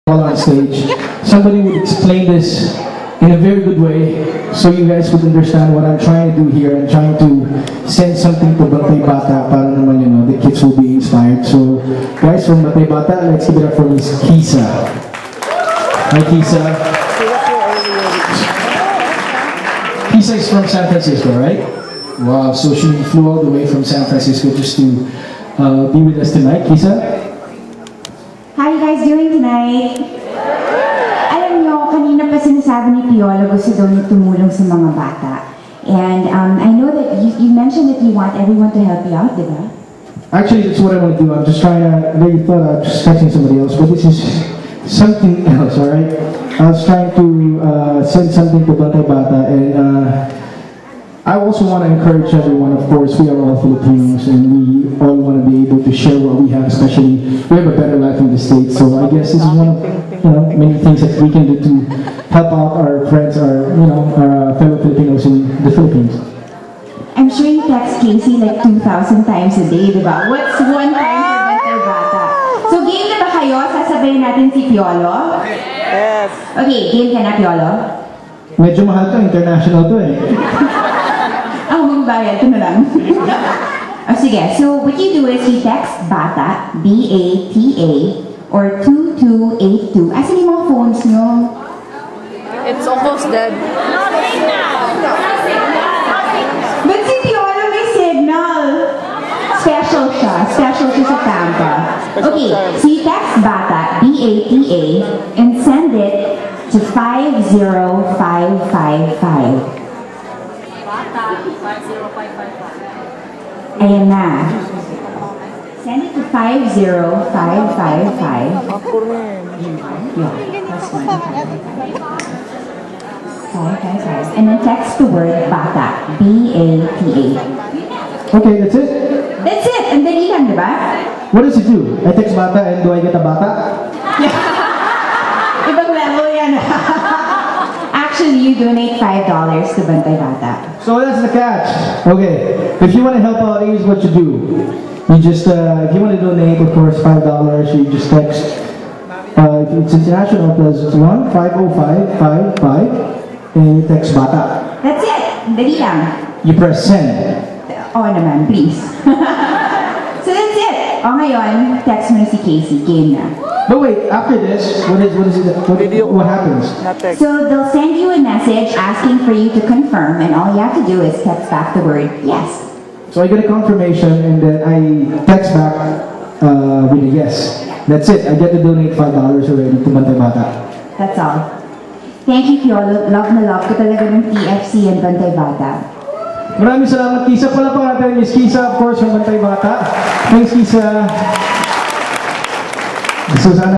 while on stage, somebody would explain this in a very good way so you guys would understand what I'm trying to do here. I'm trying to send something to Bantay Bata para naman, you know, the kids will be inspired. So, guys, from Bantay Bata, let's give it up for Miss Kisa. Hi, Kisa. Kisa is from San Francisco, right? Wow, so she flew all the way from San Francisco just to be with us tonight. Kisa? How are you guys doing tonight? Alam nyo, kanina pa sinasabi ni Piolo gusto daw niya tumulong sa mga bata. And I know that you mentioned that you want everyone to help you out, diba? Actually, that's what I want to do. I'm just trying to, maybe thought I was just texting somebody else, but this is something else, alright? I was trying to send something to Bantay Bata, and I also want to encourage everyone. Of course, we are all Filipinos, and we all want to be able to share what we have, especially we have a better life in the States. So I guess this is one of many things that we can do to help out our friends, our fellow Filipinos in the Philippines. I'm sure you text Casey like 2,000 times a day, diba? What's one time for Bantay Bata? So game na ba kayo? Sasabayin natin si Piolo? Yes. Okay, game ka na, Piolo? Medyo mahal to, international to eh. Bayad, ito na lang. Sige, so what you do is you text BATA, B-A-T-A, or 2282. Asan yung mga phones nyo? It's almost dead. But si Piolo may signal. Special siya sa Tampa. Okay, so you text BATA, B-A-T-A, and send it to 50555. Ayan na. Send it to 50555. Yeah, that's one. 555. And then text the word BATA. B-A-T-A. Okay, that's it? That's it! And then ilan, diba? What does it do? I text Bata and do I get a Bata? Ibang level yan. Actually, you donate $5 to Bantay Bata. So that's the catch. Okay, if you want to help out, here's what you do. You just, if you want to donate, of course, $5, you just text, if it's international, +1 50555, and you text Bata. That's it. Dali lang. You press send. Oo naman, please. So that's it. O ngayon, text mo na si Casey. Game na. But wait, after this, what happens? So they'll send you a message asking for you to confirm, and all you have to do is text back the word yes. So I get a confirmation, and then I text back with a yes. That's it. I get to donate $5 already to Bantay Bata. That's all. Thank you, Piolo. Love na love ko talaga ng TFC and Bantay Bata. Maraming salamat, Kisa. Palapakan natin Miss Kisa, of course, from Bantay Bata. Thanks, Kisa.